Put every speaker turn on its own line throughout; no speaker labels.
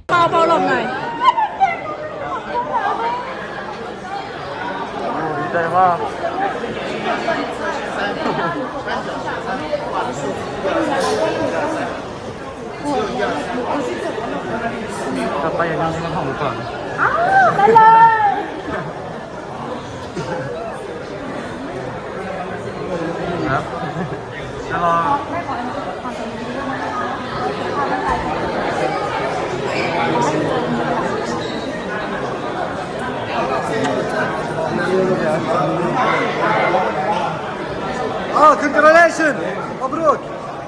เบาหลบหน่อย
ดีใจมากกลับไปอย่างนี้มันของหนูก่อน
ได้เลย
ครับจะรอcongratulations مبروك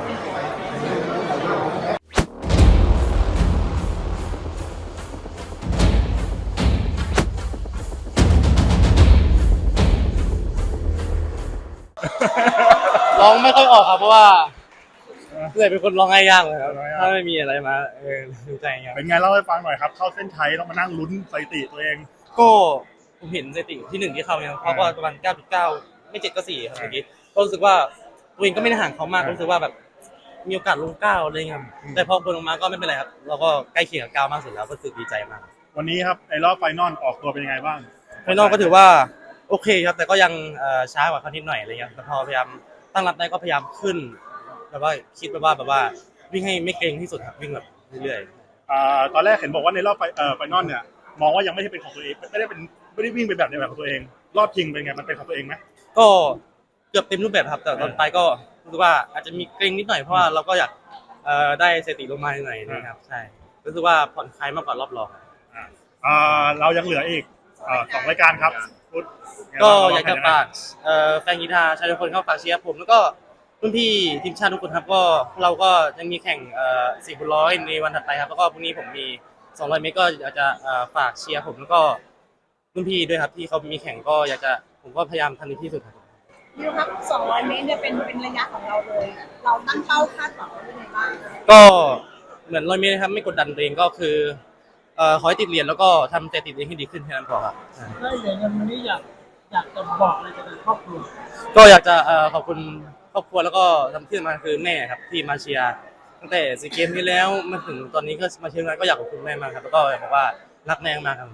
ร้องไม่ค่อยออกครับเพราะว่าเลยเป็นคนร้องง่ายยากเลยครับถ้าไม่มีอะไรมาดูใจครับ
เป็นไงเล่าให้ฟังหน่อยครับเข้าเส้นชัยต้องมานั่งลุ้นสถิติตัวเอง
ก็ผมเห็นสถิติที่1ที่เข้าเนี่ยเขาก็ประมาณ 9.9 ไม่7ก็4ครับเมื่อกี้ก็รู้สึกว่าตัวเองก็ไม่ได้ห่างเขามากรู้สึกว่าแบบมีโอกาสลง9อะไรเงี้ยแต่พอคนลงมาก็ไม่เป็นไรครับเราก็ใกล้เคียงกับ9มากสุดแล้วก็รู้สึกดีใจมาก
วันนี้ครับในรอบไฟนอลออกตัวเป็นยังไงบ้าง
ไฟนอลก็ถือว่าโอเคครับแต่ก็ยังช้ากว่าเขานิดหน่อยอะไรเงี้ยแต่พอพยายามตั้งรับได้ก็พยายามขึ้นแบบว่าคิดแบบว่าวิ่งให้ไม่เกรงที่สุดครับวิ่งแบบเรื่อย
ๆตอนแรกเห็นบอกว่าในรอบไฟนอลเนี่ยมองว่ายังไม่ได้เป็นของตัวเองไม่ได้วิ่งเป็นแบบในแบบของตัวเองรอบจริงเป็นไงมันเป็นของตัวเองไหม
ก็เกือบเต็มรูปแบบครับแต่ตอนไปก็รู้สึกว่าอาจจะมีเกรงนิดหน่อยเพราะว่าเราก็อยากได้สถิติลงมาหน่อยนะครับใช่รู้สึกว่าผ่อนคลายมากกว่ารอบรอง
เรายังเหลืออีก2 รายการครับ
ก็อยากจะฝากแฟนกีฬาชาวทุกคนเข้าฝากเชียร์ผมแล้วก็รุ่นพี่ทีมชาติทุกคนครับก็เราก็ยังมีแข่ง400ในวันถัดไปครับแล้วก็พรุ่งนี้ผมมี200 เมตรก็อยากจะฝากเชียร์ผมแล้วก็รุ่นพี่ด้วยครับที่เขามีแข่งก็อยากจะผมก็พยายามทำที่สุดครับ
พี่ครับ200 เมตรเนี่ยเป็นระยะของเราเลยเราตั้งเป้าคาดหวังไว้ยังไงบ้าง
ก็เหมือน100 เมตรครับไม่กดดันตัวเองก็คือขอให้ติดเหรียญแล้วก็ทำแต่ติดเองให้ดีขึ้นแค่นั้นพอครับ
ได้เหรียญเงินวันนี้อยากจะบอกอะไรกับครอบครัว
ก็อยากจะขอบคุณครอบครัวแล้วก็ทำที่สำคัญคือแม่ครับที่มาเชียร์ตั้งแต่ซีเกมที่แล้วมาถึงตอนนี้ก็มาเชียร์ก็อยากขอบคุณแม่มากครับแล้วก็บอกว่ารักแม่มากครับ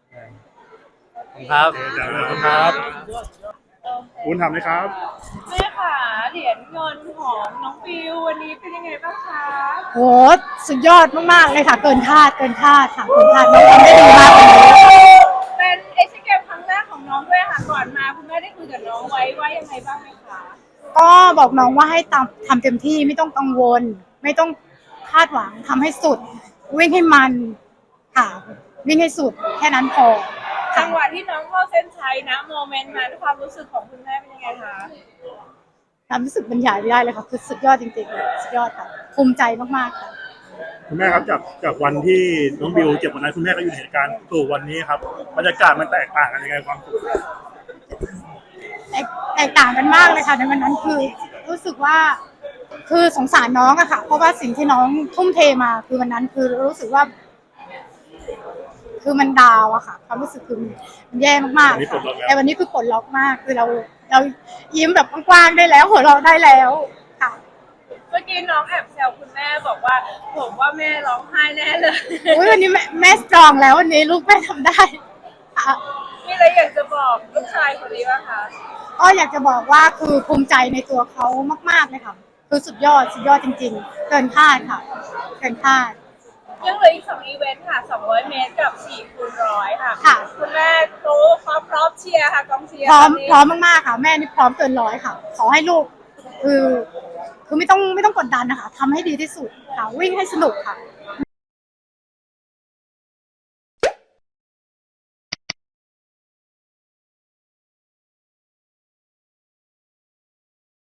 ครับครับ
คุณทำไหมครับ
แม่ค่ะเหรียญเงินของน้องบิววันนี้เป็นยังไงบ้างคะ
โหสุดยอดมากๆเลยค่ะเกินคาดค่ะเกินคาดน้องทำได้ดีมากเลย
เป็นเอเชียนเกมครั้งแรกของน้องด้วยค่ะก่อนมาคุณแม่ได้คุยกับน้องไว้ว่ายังไงบ้างไหมคะ
ก็บอกน้องว่าให้ทำเต็มที่ไม่ต้องกังวลไม่ต้องคาดหวังทำให้สุดวิ่งให้มันค่ะวิ่งให้สุดแค่นั้นพอ
จังหวะที่น้องเข้าเส้นชัยนะโมเมนต์นั้นความรู้สึกของคุณแม่เป็นยังไงคะ
ความรู้สึกบรรยายไม่ได้เลยค่ะคือสุดยอดจริงๆสุดยอดค่ะภูมิใจมากๆค่ะ
คุณแม่ครับจากวันที่น้องบิวเจ็บวันนั้นคุณแม่ก็อยู่ในเหตุการณ์สู่วันนี้ครับบรรยากาศมันแตกต่างกันยังไงความสุข
แตกต่างกันมากเลยค่ะในวันนั้นคือรู้สึกว่าคือสงสารน้องอะค่ะเพราะว่าสิ่งที่น้องทุ่มเทมาคือวันนั้นคือรู้สึกว่าคือมันดาวอะค่ะความรู้สึกคือมันแย่มากๆแต่วันนี้คือปลดล็อกมากคือเรายิ้มแบบกว้างๆได้แล้วหัวเราะได้แล้วค่ะ
เมื่อกี้น้องแอบแซวคุณแม่บอกว่าผมว่าแม่ร้องไห้แน่เลย
วันนี้แม่สตรองแล้ววันนี้ลูกแม่ทำได้
มีอะไรอยากจะบอกลูกชายคนนี้บ้างคะ
ก็อยากจะบอกว่าคือภูมิใจในตัวเขามากๆเลยค่ะคือสุดยอดจริงๆเกินคาดค่ะเกินคาด
ยังเหลืออีก2 อีเวนต์ค่ะ200 เมตรกับ4x100ค่ะคุณแม่พร้อมเชียร์ค่ะกองเชียร์
พร้อมมากๆค่ะแม่นี่พร้อมเกินร้อยค่ะขอให้ลูกคือไม่ต้องกดดันนะคะทำให้ดีที่สุดค่ะวิ่งให้สนุกค่ะ